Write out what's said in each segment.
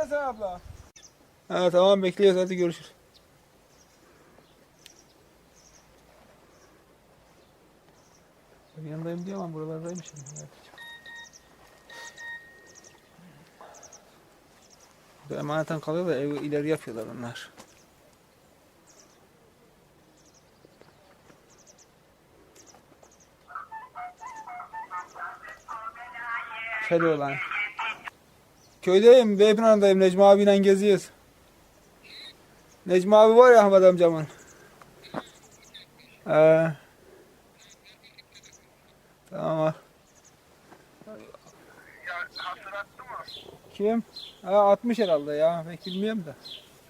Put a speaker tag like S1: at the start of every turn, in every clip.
S1: Hasan abla. Ha tamam bekliyoruz, hadi görüşürüz. Yanındayım diyor ama buralardaymışım. Evet. Burada emaneten kalıyor da evi ileri yapıyorlar onlar. Şöyle lan. Köydeyim, Beypınar'dayım. Necmi abiyle geziyoruz. Necmi abi var ya Ahmet amcamın. Tamam.
S2: Ya hatırlattı mı?
S1: Kim? Ha, 60 herhalde ya. Pek bilmiyorum da.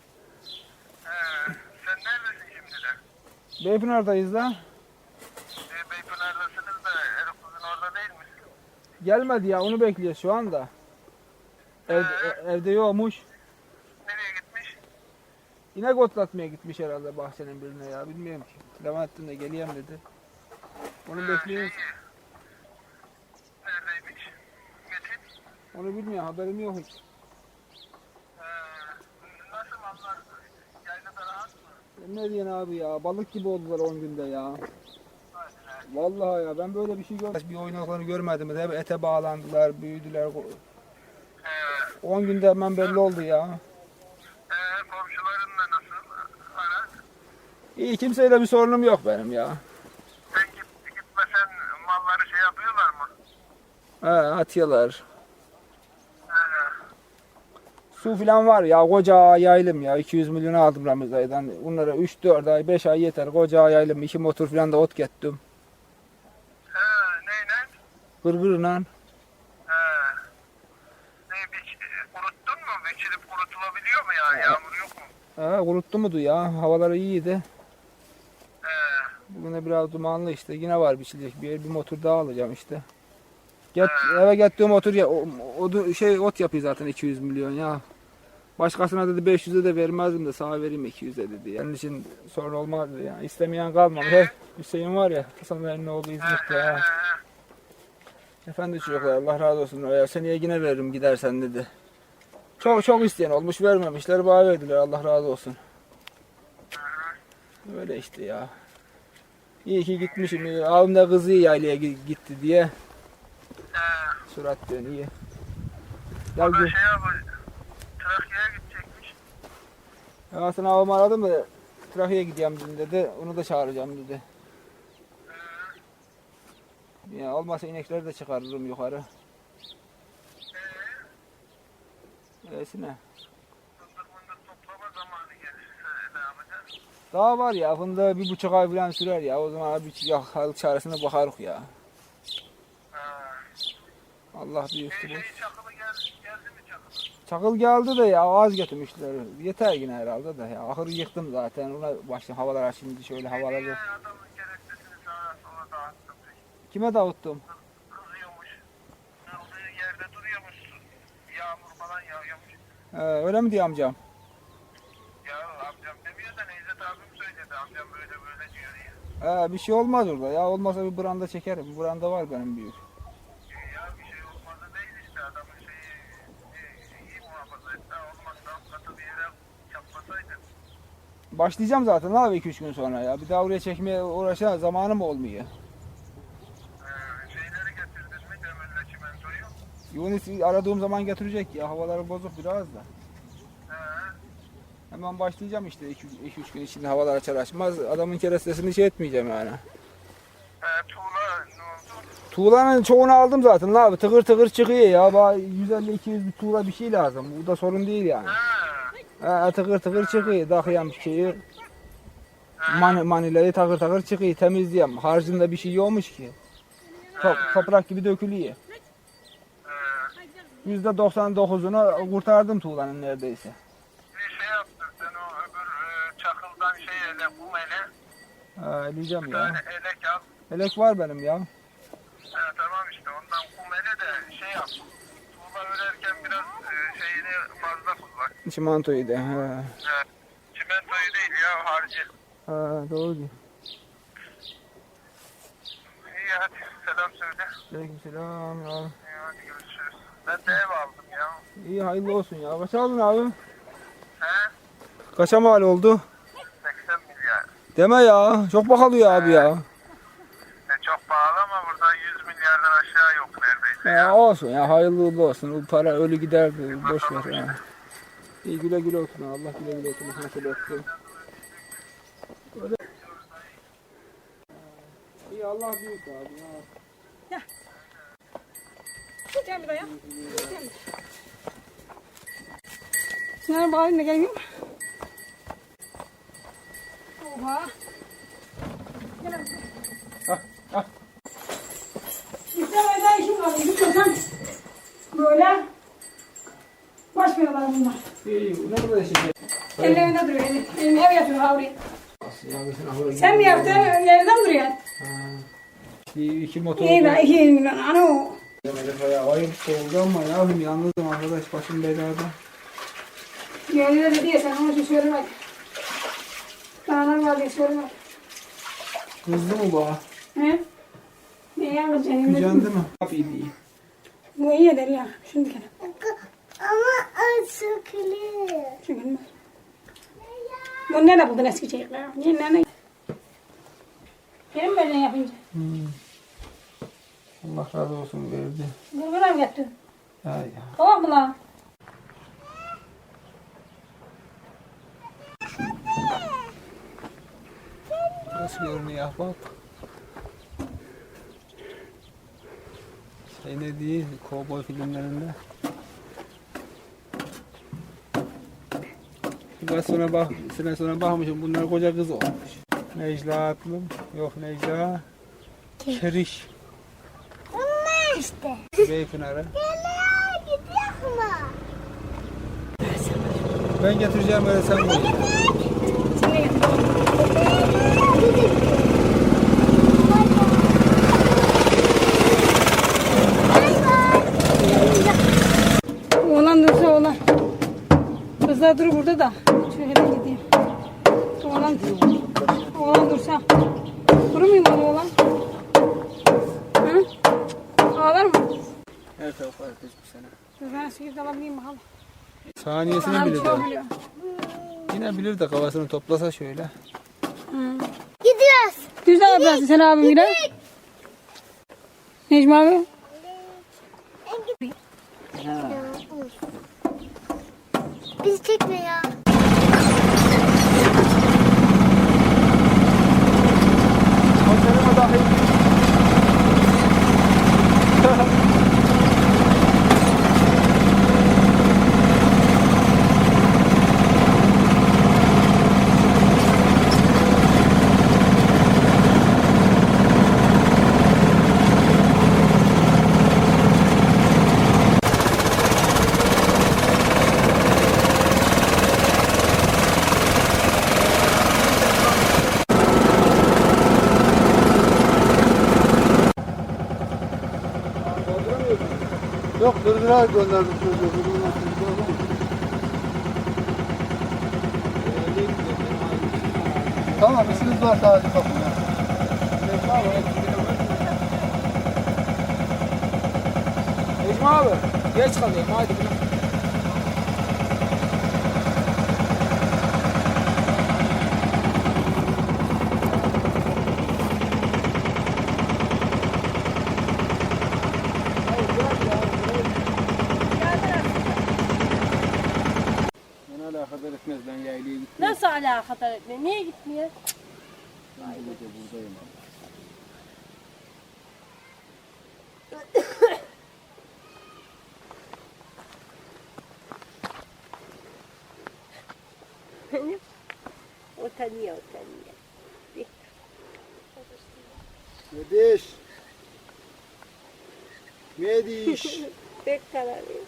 S2: Sen neredesin şimdi de?
S1: Beypınar'dayız da.
S2: Beypınar'dasınız da Erikuz'un orada değil misin?
S1: Gelmedi ya, onu bekliyoruz şu anda. Evde yokmuş.
S2: Nereye gitmiş?
S1: İnek otlatmaya gitmiş herhalde bahçenin birine ya. Bilmiyorum ki. Levent'in de geleyim dedi. Onu bekliyoruz.
S2: Neredeymiş? Metin.
S1: Onu bilmiyorum, haberim yok hiç.
S2: Nasıl mallar? Yaylada rahat mı?
S1: Ne diyorsun abi ya? Balık gibi oldular 10 günde ya.
S2: Hadi lan.
S1: Vallahi ya, ben böyle bir şey görmedim. Bir oynaklarını görmedim. Hep ete bağlandılar, büyüdüler. 10 günde hemen belli oldu ya.
S2: Komşularınla nasıl? Ara.
S1: İyi, kimseyle bir sorunum yok benim ya.
S2: Sen gitmesen malları şey yapıyorlar mı?
S1: Atıyorlar. Su falan var ya, koca yaylım ya. 200 milyon aldım Ramazay'dan. Bunlara 3-4 ay, 5 ay yeter. Koca yaylım, 2 motor falan da ot gettim.
S2: Neyle?
S1: Gırgırla.
S2: Kuruttun mu? Biçilip kurutulabiliyor mu ya? Yağmur yok mu?
S1: Kuruttu mudu ya? Havaları iyiydi.
S2: He.
S1: Bugün de biraz dumanlı işte. Yine var biçilecek bir motor daha alacağım işte. Eve gittiğim motor ya, ot yapıyor zaten 200 milyon ya. Başkasına dedi 500'e de vermezdim de sana vereyim 200'e dedi. Yani için sorun olmaz dedi yani. İstemeyen kalmamış. Hüseyin var ya, Hasan'ın oğlu İzmit'te ya. Efendi çocuklar, Allah razı olsun. Ya seneye yine veririm gidersen dedi. Çok isteyen olmuş, vermemişler, bana verdiler, Allah razı olsun. Öyle işte ya. İyi ki gitmişim. Abim de kızı yaylaya gitti diye. Surat diyorsun, iyi. Ya,
S2: O da şey yapıyor. Trakya'ya gidecekmiş.
S1: Hasan abim aradım da Trakya'ya gideceğim dedi. Onu da çağıracağım dedi. Ya olmazsa inekleri de çıkarırım yukarı. Öylesine.
S2: Fındık toplama zamanı gelirse ne yapacaksın?
S1: Daha var ya, fındığı 1,5 ay falan sürer ya. O zaman bir halık çaresine bakarız ya. Allah büyüktü bu.
S2: Çakılı geldi mi çakılı?
S1: Çakıl geldi de ya, az getirmişler. Yeter yine herhalde de ya. Ahırı yıktım zaten. Ona başladım, havalar şimdi şöyle havalar yok.
S2: Adamın gerekçesini sağa sola dağıttım.
S1: Kime dağıttım?
S2: Kızıyormuş. Kıldığı yerde duruyormuş. Yağmur falan yağıyormuş.
S1: Öyle mi diyor amcam?
S2: Ya amcam demiyor da Necdet abim söyledi. Amcam böyle diyor diye.
S1: Bir şey olmaz orada ya. Olmazsa bir branda çekerim. Bir branda var benim büyük.
S2: Ya bir şey olmadı değil işte adamın iyi muhafaza etti. Olmazsa alt katı bir yere çaplasaydı.
S1: Başlayacağım zaten abi 2-3 gün sonra ya. Bir daha oraya çekmeye uğraşan zamanım olmuyor.
S2: Şeyleri getirdin mi demirle çimentoyu?
S1: Yunis aradığım zaman getirecek ya. Havaları bozuk biraz da. Hemen başlayacağım işte 2-3 gün içinde, havalar açar açmaz. Adamın kerestesini şey etmeyeceğim yani.
S2: Tuğla ne oldu?
S1: Tuğlanın çoğunu aldım zaten abi. Tıkır tıkır çıkıyor ya. Bana 150-200 bir tuğla bir şey lazım. Bu da sorun değil yani. Tıkır tıkır çıkıyor. Dakıyam şeyi. Manileri takır takır çıkıyor. Temizleyeyim. Harcında bir şey yokmuş ki. Toprak gibi dökülüyor. %99'unu kurtardım tuğlanın neredeyse.
S2: Bir şey yaptın sen o öbür çakıldan kum ele.
S1: Eleyeceğim ya.
S2: Böyle elek al.
S1: Elek var benim ya.
S2: Tamam işte ondan kum ele de şey yap. Tuğla örerken biraz şeyini fazla kullan.
S1: Çimentoyu da.
S2: Çimentoyu değil ya harcı.
S1: Doğru diyor.
S2: İyi hadi selam söyle.
S1: Aleykümselam ya.
S2: İyi hadi görüşürüz. Ben de ev aldım ya.
S1: İyi hayırlı olsun ya. Kaç aldın abi?
S2: He?
S1: Kaça mal oldu?
S2: 80 milyar.
S1: Deme ya. Çok pahalı abi ya.
S2: Çok pahalı ama burada 100 milyardan aşağı yok neredeyse.
S1: Ya olsun ya hayırlı uğurlu olsun. Bu para ölü gider. Boş ver ya. İyi güle güle olsun. Allah güle güle olsun. Nasıl olsun. Öyle. İyi Allah büyük abi ya.
S3: Gel bir dayan. Şunlara bağlayayım da geleyim. Oha. Gel abi. İstemeden işim var. Gitmesen böyle baş veriyorlar bunlar.
S1: İyi ne kadar şey.
S3: Ellerinde duruyor. Elini ev yapıyor havri. Sen mi yaptın? Yerden duruyor.
S1: İki motor.
S3: İyi be 2 milyon. Ana o.
S1: Ayıp oldu ama ne yapayım yalnızım arkadaş başım belada.
S3: Yerine dedi ya sen onun için söyle bak. Dağlar var diye söyle bak.
S1: Kızdı mı bu?
S3: He? Ne yapacaksın?
S1: Gücendi mi? Yapayım iyi.
S3: Bu iyi eder ya. Şimdi kere.
S4: Ama sıkılır.
S3: Çünkü bu nerede buldun eski çocuklar? Ne? Benim böyle yapınca.
S1: Allah razı olsun verdi.
S3: Gırgıra mı yaptın?
S1: Ya ya.
S3: Tamam mı lan?
S1: Nasıl görünüyor bak. Şey ne değil, kovboy filmlerinde. Biraz sonra bak, sene sonra bakmışım bunlar koca kız olmuş. Necla Atlım, yok Necla. Keriş,
S4: Bunlar işte.
S1: Beypınar'a.
S4: Nereye gidiyor mu?
S1: Ben getireceğim öyle sen koy.
S3: Şimdi getir. Oğlan dursa oğlan. Kızlar dur burada da. Şöyle gideyim. Oğlan dursa. Durur muyum bana oğlan? Hı? Ağlar mı?
S1: Her tarafa herkes bu sene.
S3: Dur ben 8 alabileyim bakalım.
S1: Saniyesini
S3: Bana bir
S1: bilir
S3: şey
S1: de.
S3: biliyor.
S1: Yine bilir de kafasını toplasa şöyle.
S4: Gidiyoruz.
S3: Güzel yaparsın sen abim yine. Necmi abi.
S4: Bizi çekme ya.
S1: Konserime dahil.
S5: Yok Kırgır'a gönderdim çocuğu. Tamam işiniz var sadece bakın ya.
S1: Necmi abi geç kalıyorum hadi. Beni alakadar etmez ben yaylaya gittim.
S6: Nasıl alakadar etmiyor? Niye gitmiyor?
S1: Buradayım abi.
S6: Utanıyor.
S5: Mediş. Mediş.
S6: Pek kararıyor.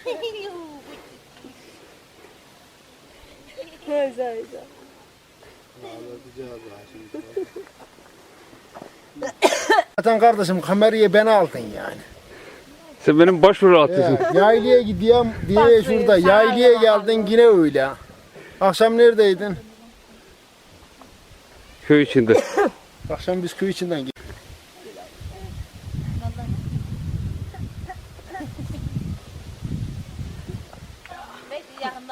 S6: Hayda.
S5: Zaten kardeşim kamerayı ben aldın yani.
S7: Sen benim başvuru atıyorsun.
S5: Yaylaya gidiyorum diye şurada. Yaylaya geldin yine öyle. Akşam neredeydin?
S7: Köy içinde.
S5: Akşam biz köy içinden gittik.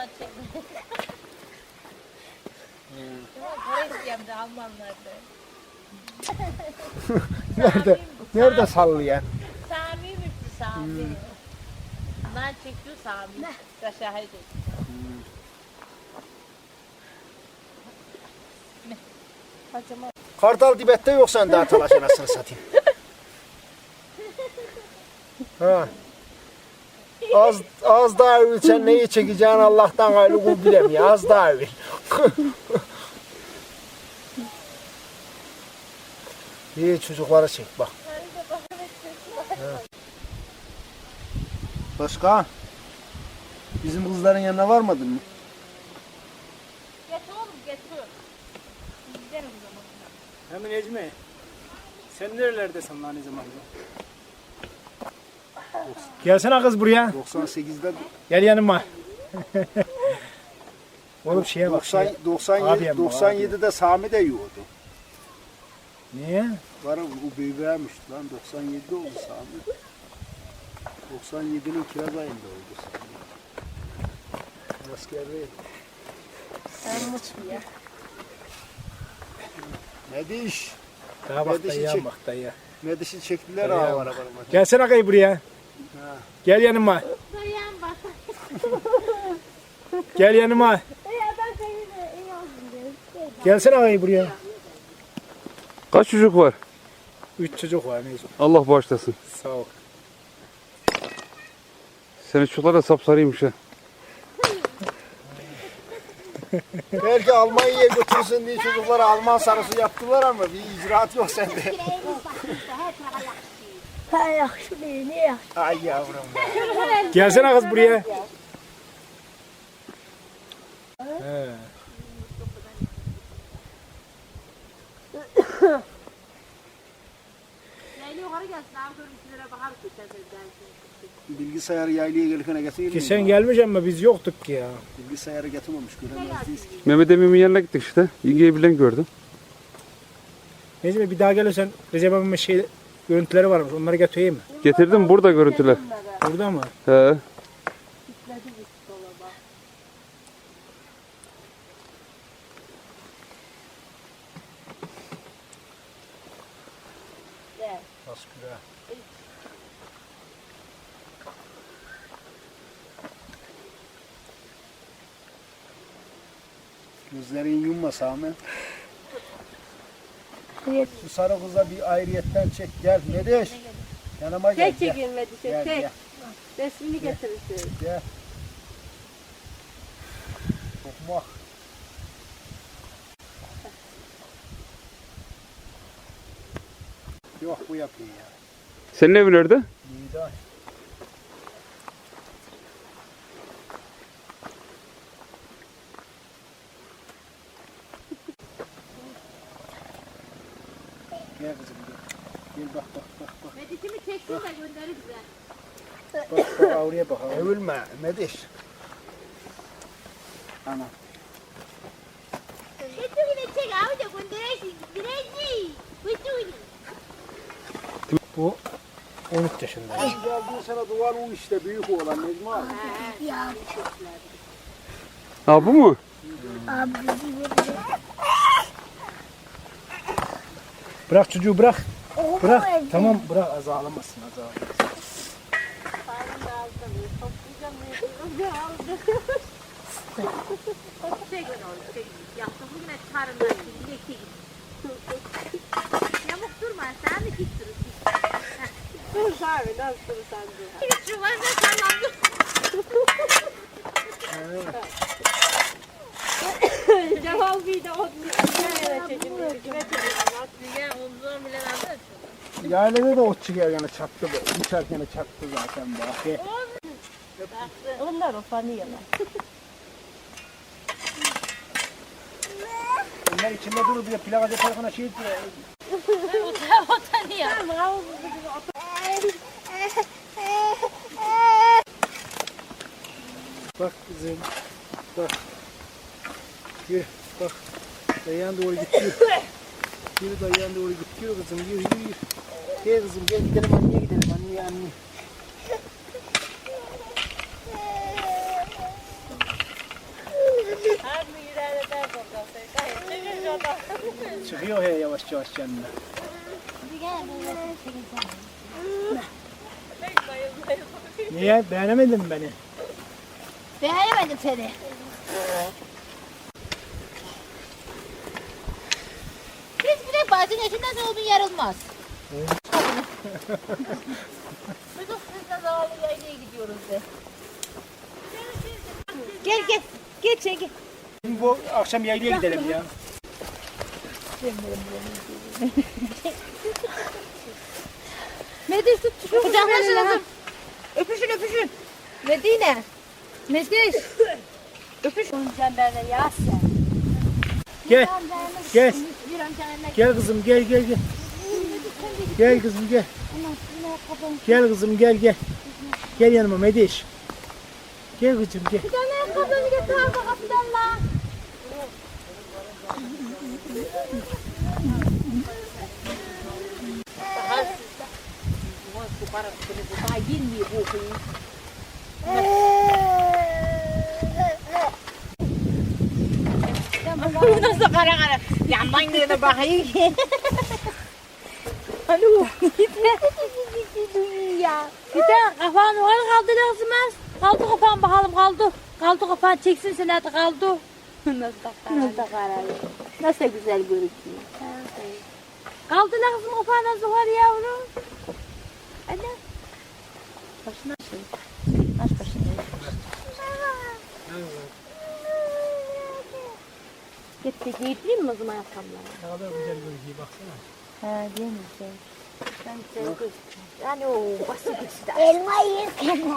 S6: Alman çekti. Para isteyeyim de Almanlarda.
S5: Nerede sallıyor?
S6: Sami bitti Sami. Bundan çekti Sami. Kaşahı
S5: Kartal dibette yok sen daha talaş anasını satayım. Ha. Az daha övül sen neyi çekeceğini Allah'tan gayrı kul bilemiyor. Az daha övül. İyi çocuklara çek bak. Ha. Başka? Bizim kızların yanına varmadın mı?
S6: Getir oğlum getir. Gidelim o zaman.
S8: Hemen Necmi. Sen nerelerdesin lan ne zaman? Gelsene kız buraya.
S5: 98'de
S8: Gel yanıma. Oğlum şeye bak.
S5: 97'de Sami de yiyordu.
S8: Niye?
S5: Var o büyüğümüş lan 97'de oldu Sami. 97'nin kiraz ayında oldu Sami. Askerdeydi.
S6: Sen mutlu ya.
S5: Ne diş?
S8: Daha bak
S5: Nedişi
S8: dayıya
S5: çek.
S8: bak dayıya.
S5: Ne dişi çektiler
S8: Dayı
S5: ağlara
S8: ama.
S5: bana.
S8: Gelsene kayı buraya. Gel yanıma.
S6: Dayan bak.
S8: Gel yanıma.
S6: Ya ben seni iyi oldum diye.
S8: Gelsene kayı buraya.
S7: Kaç çocuk var?
S8: 3 çocuk var Necmi.
S7: Allah bağışlasın.
S8: Sağ ol.
S7: Senin çocuklar da sapsarıymış ha.
S5: Belki Almanya'ya götürsün diye çocuklara Alman sarısı yaptılar ama bir icraat yok sende. Ay yavrum be.
S8: Gelsene kız buraya. He.
S6: Leyla yukarı gelsin abi görüntülere bakar ki sen dersin.
S5: Bilgisayarı yaylaya gelirken getireyim mi?
S8: Geçen gelmiş ama biz yoktuk ki ya.
S5: Bilgisayarı getirmemiş göremezdiyiz ki.
S7: Mehmet Emin'in yanına gittik işte. Yengeyi bilen gördüm.
S8: Necmi bir daha gelirsen Recep abimin şey görüntüleri varmış. Onları getireyim mi?
S7: Getirdim burada görüntüler.
S8: Burada mı?
S7: He.
S5: Nasıl güzel. Gözlerin yumma Sami. Şu sarı kıza bir ayrıyetten çek gel. Ne deş? Yanıma gel.
S6: Tek
S5: Gel.
S6: çekilmedi şey
S5: Gel,
S6: tek.
S5: gel.
S6: Resmini getirirsin.
S5: Gel. Sokma. Yok bu yapıyor ya.
S7: Senin evin nerede?
S5: İyi de. Gel kızım gel. Gel bak bak bak bak.
S6: Medikimi çekti de gönderir bize.
S5: Bak bak oraya bak. Övülme Mediş. Ana.
S4: Götürüne çek abi de gönderirsin. Birinci. Götürün.
S8: Bu 13 yaşında.
S5: Geldiğin sana duvar o işte büyük oğlan Necmi abi.
S7: Ha bu mu?
S8: Bırak çocuğu bırak. Bırak. Tamam bırak az ağlamasın az ağlamasın.
S6: Çek onu çek. Yaptım bugüne çıkarımdan bilekte git. Yamuk durma sen de git durun. Dur abi nasıl dur sen dur. Git şu var ne sallandı. Cevap bir de o nereye çekildi? Kime çekildi? Atlıya omzuna bile aldı.
S5: Yaylada da ot çıkıyor yani çaktı bu. Uçarken çaktı zaten bak.
S6: Onlar ufanıyorlar.
S5: Onlar içinde durur bir de plaka yaparken şey diyor.
S6: Utanıyor.
S5: Bak kızım. Bak. Yürü bak. Dayan doğru gidiyor. Yürü dayan doğru gidiyor kızım. Yürü yürü. Gel kızım gel gidelim anneye gidelim anneye.
S8: Çıkıyor he yavaş yavaş kendine. Niye? Beğenemedin mi beni?
S4: Beğenemedim seni. Biz bile bazen eşinden olduğun yarılmaz. Biz o sizle zavallı yaylaya gidiyoruz de. Gel gel. Gel sen gel.
S8: Şimdi bu akşam yaylaya gidelim ya.
S3: Mediş tut şu
S4: Kucaklaşın kızım. Öpüşün öpüşün. Medine. Mediş. Öpüş. Sen benimle yaz sen.
S8: Gel. Gel.
S4: Bir amcanla
S8: Gel kızım gel gel gel. Gel kızım gel. Gel kızım gel gel. Gel yanıma Mediş. Gel kızım gel.
S4: bir tane ayakkabılarını getir arka kapıdan lan.
S6: Nasıl kara kara. Yandan gene bakayım.
S4: Alo. Ya.
S6: Bir de kafanı var kaldı lazımaz. Kaldı kafan bakalım kaldı. Kaldı kafan çeksin sen hadi kaldı.
S4: Nasıl karar? Nasıl güzel görünüyor.
S6: Kaldı lazım kafan nasıl var yavrum.
S4: Anne. Başına şey. Baş başına.
S6: Gitti giydireyim mi o zaman ayakkabıları?
S8: Ne kadar güzel görünüyor baksana.
S4: Ha değil mi şey?
S6: Ben güzel gözüküyorum. Yani o basit işte.
S4: Elma yerken.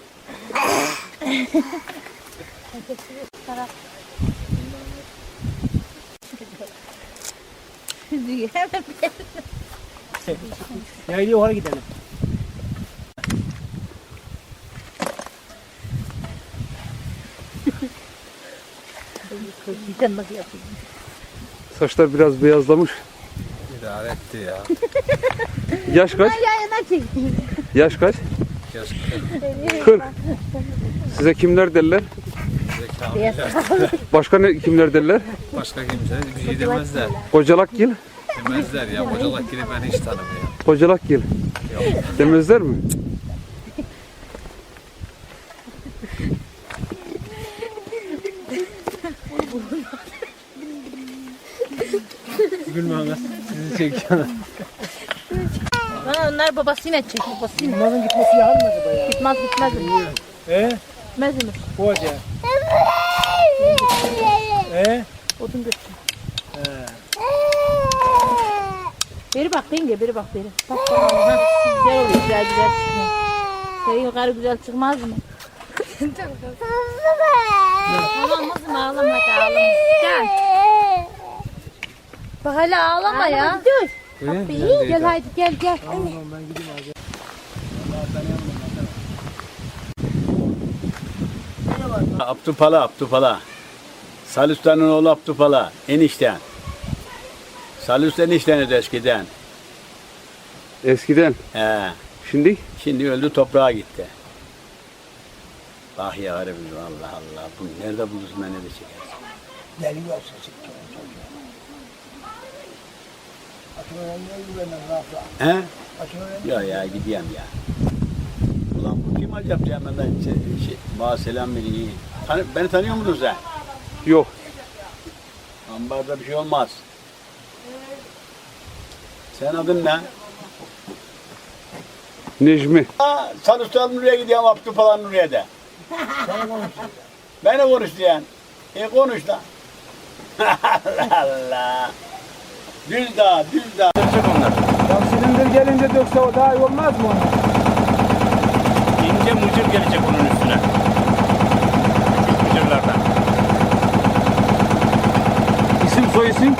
S8: Yaylaya oraya gidelim.
S7: Saçlar biraz beyazlamış.
S1: İdare etti ya.
S7: Yaş kaç?
S4: Yayına çektim.
S7: Yaş kaç? 40. Size kimler derler? Başka ne kimler derler?
S9: Başka kimse bir şey demezler.
S7: Kocalakgil.
S9: Demezler ya. Kocalar gibi ben hiç tanımıyorum.
S7: Kocalakgil. Demezler mi?
S8: Gülme ana. Sizi çekiyor.
S6: Bana onlar babasıyla çek babasıyla.
S8: Bunların gitmesi yalan mı acaba ya?
S6: Gitmez. Gitmez mi?
S8: Bu hoca.
S6: Odun götür. Beri bak yenge beri bak beri. Bak ha. Güzel oluyor güzel çıkıyor. Senin yukarı güzel çıkmaz mı? Tamam kızım ağlama hadi ağlama. Gel. Bak hala ağlama ya. Dur. Gel haydi gel.
S8: Tamam ben gideyim abi.
S10: Abdupala. Salih Usta'nın oğlu Abdupala, enişten. Salih Usta enişteniz eskiden.
S7: Eskiden.
S10: He.
S7: Şimdi?
S10: Şimdi öldü toprağa gitti. Bak ya harbi Allah Allah. Bu nerede bulursun beni de çekersin.
S5: Geliyor sesim.
S10: He? Ya ya gideyim ya. Ulan bu kim acaba ya benden bana selam veriyor. Beni tanıyor musun sen?
S7: Yok.
S10: Ambarda bir şey olmaz. Sen adın ne?
S7: Necmi.
S10: Salih Usta'nın Nuriye gidiyorum Abdülpalan Nuriye'de. Beni konuş diyen. Konuş lan. Allah Allah. Düz dağ.
S1: Ya silindir gelince dökse o daha iyi olmaz mı?
S10: İnce mucur gelecek onun üstüne. Küçük mucurlardan.
S7: İsim soy isim?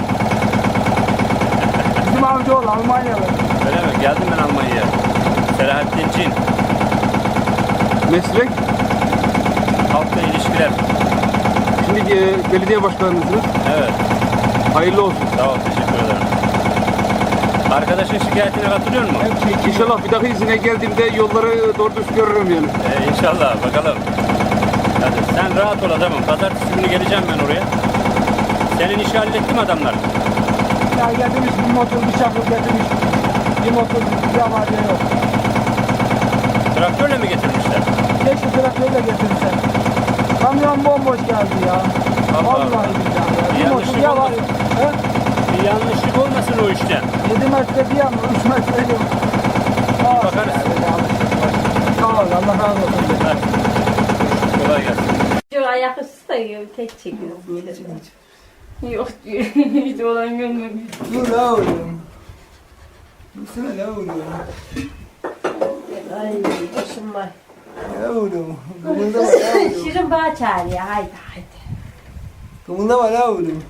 S1: Bizim amcaoğlu Almanyalı.
S10: Öyle mi? Geldim ben Almanya'ya. Selahattin Çin.
S7: Meslek?
S10: Halkla ilişkiler.
S7: Şimdi belediye başkanınızsınız.
S10: Evet.
S7: Hayırlı olsun.
S10: Sağ ol. Teşekkür ederim. Arkadaşın şikayetine katılıyor musun?
S7: İnşallah bir daha izine geldiğimde yolları doğru düz görürüm yani.
S10: İnşallah. Bakalım. Hadi sen rahat ol adamım. Pazartesi günü geleceğim ben oraya. Senin işi hallettim adamlar.
S1: Ya getirmiş bir motor, bir çakıl getirmiş. Bir motor, bir var ya yok.
S11: Traktörle mi getirmişler?
S1: Keşke traktörle getirmişler. Kamyon bomboş geldi ya. Vallahi billahi ya. Bir motor ya var. He?
S11: Bir yanlışlık olmasın o işte.
S1: 7 metre bir yana, 3 metre yok.
S11: Bakarız.
S1: Sağ ol, Allah razı olsun.
S11: Kolay gelsin.
S4: Şu ayak üstü de tek çekiyor.
S3: Yok diyor. Hiç olan görmemiş.
S1: Dur la oğlum. Dursana la oğlum.
S4: Ay başım var.
S1: La oğlum. Kımıldama la oğlum.
S4: Şirin bağ çağırıyor. Haydi haydi.
S1: Kımıldama la oğlum.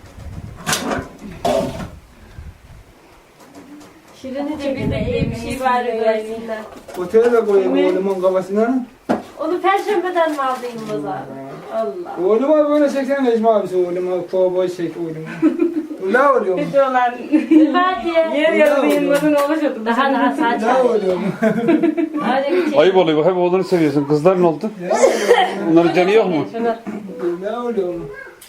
S4: Şirin'i de bir şey var göğsünden.
S1: Otele de koyayım oğlumun kafasına.
S4: Onu perşembeden mi aldın Mazar? Allah.
S1: Oğluma böyle çeksene Necmi abisi oğluma. Kovboy çek oğluma. La oğlum.
S3: Hiç olan.
S4: Hadi.
S3: Yer yarılı yılların oluşuyordu.
S4: Daha saç
S1: La oğlum.
S4: Hadi bir şey.
S7: Ayıp oluyor. Hep oğlunu seviyorsun. Kızlar ne oldu? Onların canı yok mu?
S1: La oğlum.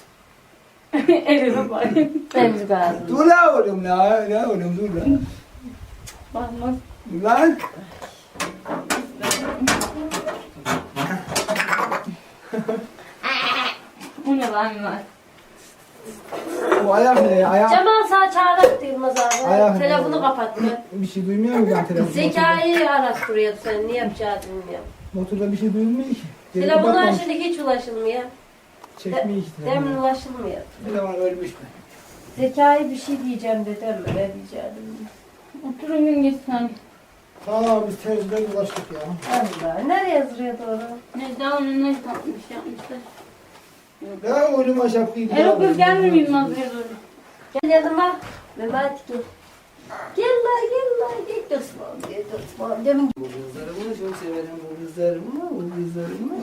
S3: Elime bak.
S4: Temiz lazım.
S1: Dur la oğlum la. La oğlum dur la.
S3: Bakmaz.
S1: Lan.
S3: Bu ne lan var?
S1: Bu ayak ne ya? Ayak.
S4: Cemal sağ çağırak Yılmaz
S1: Ayak
S4: abi.
S1: ne
S4: Telefonu
S1: ya?
S4: kapattı.
S1: Bir şey duymuyor mu ben telefonda?
S4: Zekayı araştırıyordu sen. Ne yapacağını bilmiyorum.
S1: Motorda bir şey duyulmuyor ki.
S4: Telefonlar şimdi hiç ulaşılmıyor.
S1: Çekmiyor ki
S4: Demin
S1: telefonu.
S4: ulaşılmıyor.
S1: Telefon ölmüş mü?
S4: Zekayı bir şey diyeceğim dedim mi? Ne diyeceğim?
S3: Oturun gün geçsen.
S5: Ha biz terziden ulaştık ya.
S4: Allah. Nereye yazıyor doğru?
S3: Ne daha onu ne yapmış yapmışlar.
S5: Ya oğlum şapkayı
S3: Erol kız gelmiyor Yılmaz buraya doğru.
S4: Gel yanıma. Mehmet gel. Gel la gel dostum. Gel dostum. Demin
S1: Bu kızlarımı çok severim bu kızlarımı. Bu kızlarımı.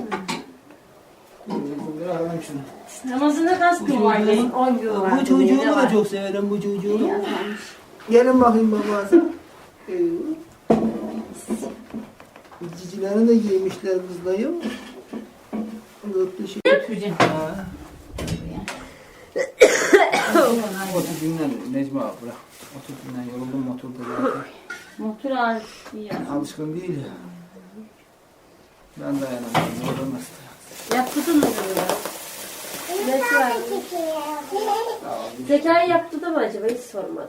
S1: Bir alalım şunu.
S3: Namazını kastım var.
S4: 10 gün var.
S1: Bu çocuğumu da çok severim bu çocuğumu. Gelin bakayım babası. Cicilerini de giymişler kızlayım. Dörtlü şey. Ha. Otur dinlen Necmi abi bırak. Otur dinlen yoruldum motorda zaten.
S3: Motor ağrısı ya.
S1: Alışkın değil ya. Ben dayanamıyorum. Orada nasıl?
S4: Yaptırdın mı bunu? Ne var? Zekayı yaptı da mı acaba? Hiç sormadım.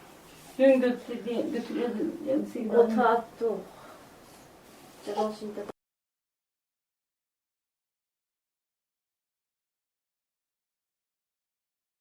S3: Dün götürüyordu.
S4: O attı. Cemal şimdi